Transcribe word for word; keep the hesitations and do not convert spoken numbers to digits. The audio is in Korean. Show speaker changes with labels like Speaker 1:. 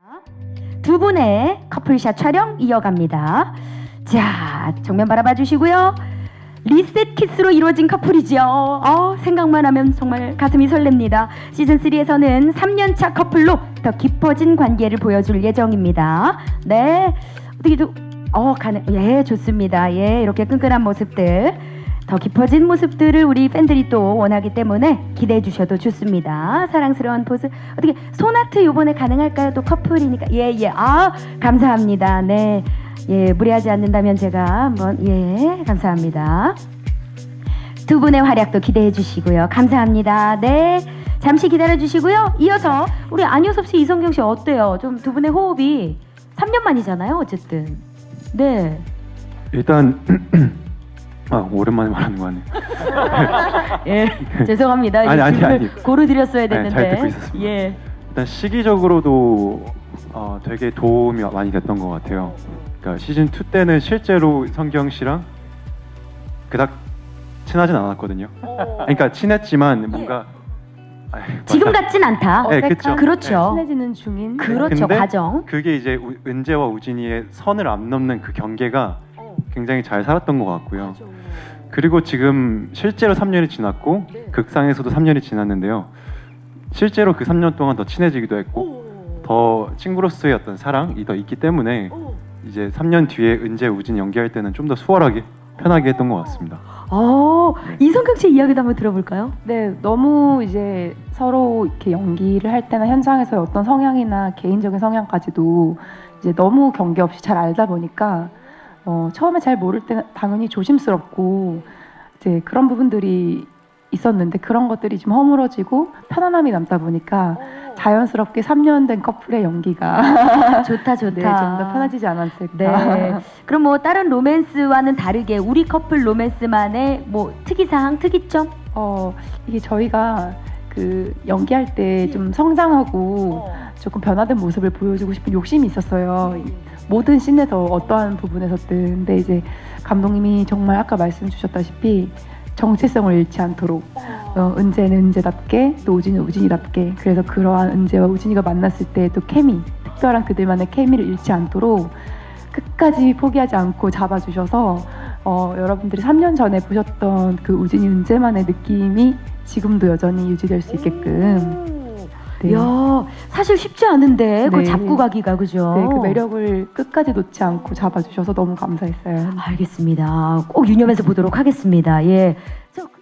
Speaker 1: 두 분의 커플샷 촬영 이어갑니다. 자, 정면 바라봐 주시고요. 리셋 키스로 이루어진 커플이죠. 어, 생각만 하면 정말 가슴이 설렙니다. 시즌삼에서는 삼 년차 커플로 더 깊어진 관계를 보여줄 예정입니다. 네, 어떻게 좀 어, 가능, 예, 좋습니다. 예, 이렇게 끈끈한 모습들, 더 깊어진 모습들을 우리 팬들이 또 원하기 때문에 기대해 주셔도 좋습니다. 사랑스러운 포즈. 어떻게 손아트 요번에 가능할까요? 또 커플이니까. 예, 예. 아, 감사합니다. 네. 예, 무리하지 않는다면 제가 한번, 예, 감사합니다. 두 분의 활약도 기대해 주시고요. 감사합니다. 네. 잠시 기다려 주시고요. 이어서 우리 안효섭 씨, 이성경 씨 어때요? 좀 두 분의 호흡이 삼 년 만이잖아요, 어쨌든. 네.
Speaker 2: 일단 아 오랜만에 말하는 거 아니에요?
Speaker 1: 예, 죄송합니다.
Speaker 2: 아니, 아니, 아니.
Speaker 1: 고루 드렸어야 됐는데.
Speaker 2: 네, 잘 듣고 있었습니다.
Speaker 1: 예.
Speaker 2: 일단 시기적으로도 어, 되게 도움이 많이 됐던 것 같아요. 그러니까 시즌 투 때는 실제로 성경 씨랑 그닥 친하진 않았거든요. 그러니까 친했지만 뭔가 아이,
Speaker 1: 지금
Speaker 2: 맞아.
Speaker 1: 같진 않다.
Speaker 2: 네, 그쵸.
Speaker 1: 그렇죠.
Speaker 3: 친해지는 중인.
Speaker 1: 그렇죠.
Speaker 2: 근데
Speaker 1: 과정.
Speaker 2: 그게 이제 우, 은재와 우진이의 선을 안 넘는 그 경계가 굉장히 잘 살았던 것 같고요. 그리고 지금 실제로 삼 년이 지났고 극상에서도 삼 년이 지났는데요. 실제로 그 삼 년 동안 더 친해지기도 했고 더 친구로서의 어떤 사랑이 더 있기 때문에 이제 삼 년 뒤에 은재, 우진 연기할 때는 좀 더 수월하게 편하게 했던 것 같습니다.
Speaker 1: 어, 이성경 씨 이야기도 한번 들어볼까요?
Speaker 3: 네, 너무 이제 서로 이렇게 연기를 할 때나 현장에서의 어떤 성향이나 개인적인 성향까지도 이제 너무 경계 없이 잘 알다 보니까 어, 처음에 잘 모를 때는 당연히 조심스럽고 이제 그런 부분들이 있었는데 그런 것들이 좀 허물어지고 편안함이 남다 보니까 자연스럽게 삼 년 된 커플의 연기가
Speaker 1: 좋다, 좋다.
Speaker 3: 네, 좀 더 편해지지 않았을까.
Speaker 1: 네. 그럼 뭐 다른 로맨스와는 다르게 우리 커플 로맨스만의 뭐 특이사항, 특이점?
Speaker 3: 어, 이게 저희가 그 연기할 때 좀 성장하고 조금 변화된 모습을 보여주고 싶은 욕심이 있었어요. 모든 씬에서 어떠한 부분에서든. 근데 이제 감독님이 정말 아까 말씀 주셨다시피 정체성을 잃지 않도록 어, 은재는 은재답게 또 우진은 우진이답게, 그래서 그러한 은재와 우진이가 만났을 때 또 케미, 특별한 그들만의 케미를 잃지 않도록 끝까지 포기하지 않고 잡아주셔서 어, 여러분들이 삼 년 전에 보셨던 그 우진이 은재만의 느낌이 지금도 여전히 유지될 수 있게끔. 네.
Speaker 1: 이야, 사실 쉽지 않은데 그걸
Speaker 3: 네.
Speaker 1: 잡고 가기가, 그죠?
Speaker 3: 네, 그 매력을 끝까지 놓지 않고 잡아주셔서 너무 감사했어요.
Speaker 1: 알겠습니다. 꼭 유념해서 보도록 하겠습니다. 예. 저